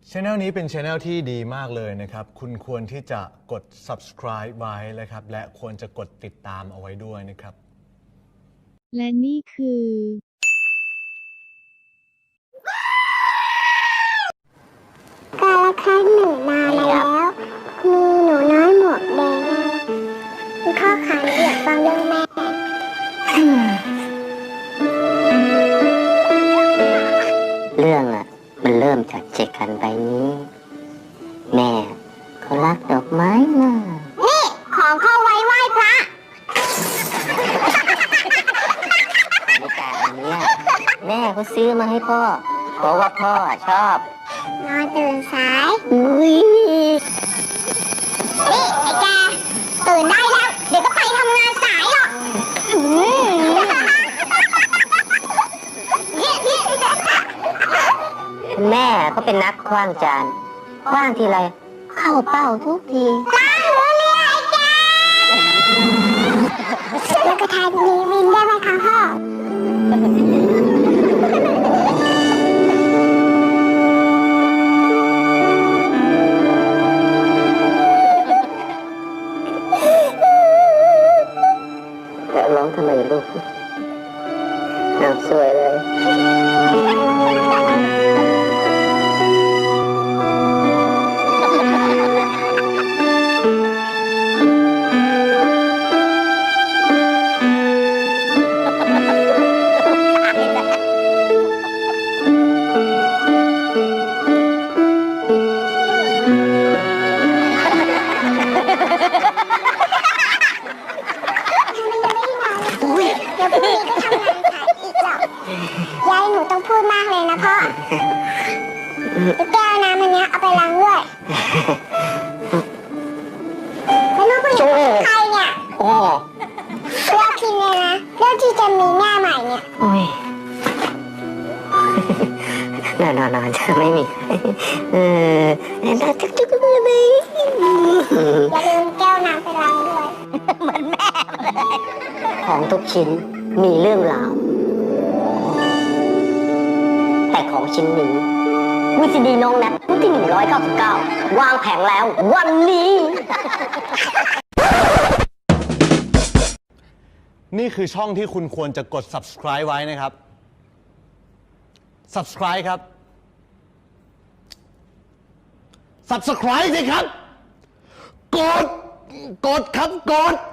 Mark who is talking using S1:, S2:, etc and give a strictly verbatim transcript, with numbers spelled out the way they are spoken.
S1: Channel นี้เป็น Channel ที่ดีมากเลยนะครับคุณควรที่จะกด Subscribe ไว้นะครับและควรจะกดติดตามเอาไว้ด้วยนะครับ
S2: และนี่คือกาลครั้งหนึ่งนานแล้วมีหนูน้อยหมวกแดงคุณพ่อคะหนูอยากฟังเรื่องแม่
S3: เรื่องอ่ะมันเริ่มจากเจกันใบนี้แม่เขารักดอกไม้มาก
S2: นี่ของเข้าไว้ไหว้พระ
S3: ในการอันเนี้ยแม่เขาซื้อมาให้พ่อเพราะว่าพ่อชอบ
S2: นอนตื่นสาย
S3: อุ้ย
S2: นี่ไอ้แกตื่นได้แล้วเดี๋ยวก็ไปทำงานสายหรอก
S3: แม่เขาเป็นนักคว้างจานคว้างทีไรเข้าเป้าทุกที
S2: ล้างหัวเรือไอ้แกแล้วก็ทายมีวินได้ไหมคะพ่อ
S3: ร้องทำไมลูกน้ำสวยเลย
S2: ยายหนูต้องพูดมากเลยนะพ่อแก้วน้ำอันนี้เอาไปล้างด้วยแล้วน้องผู้หญิงใครเนี่ย
S3: โอ้
S2: เลือกทีเลยนะเลือกที่จะมีแม่ใหม่เนี่ย
S3: โอ้ยนานนานจะไม่มีเออน่าจุกจุกเลย
S2: อย่าลืมแก้วน้ำไปล้างด้วย
S3: เหมือนแม่เลยของทุกชิ้นมีเรื่องราวแต่ของชิ้นนี้วีซีดีน้องแนทรุ่นที่หนึ่งร้อยเก้าสิบเก้าวางแผงแล้ววันนี้
S1: นี่คือช่องที่คุณควรจะกด Subscribe ไว้นะครับ Subscribe ครับ Subscribe สิครับกดกดครับกด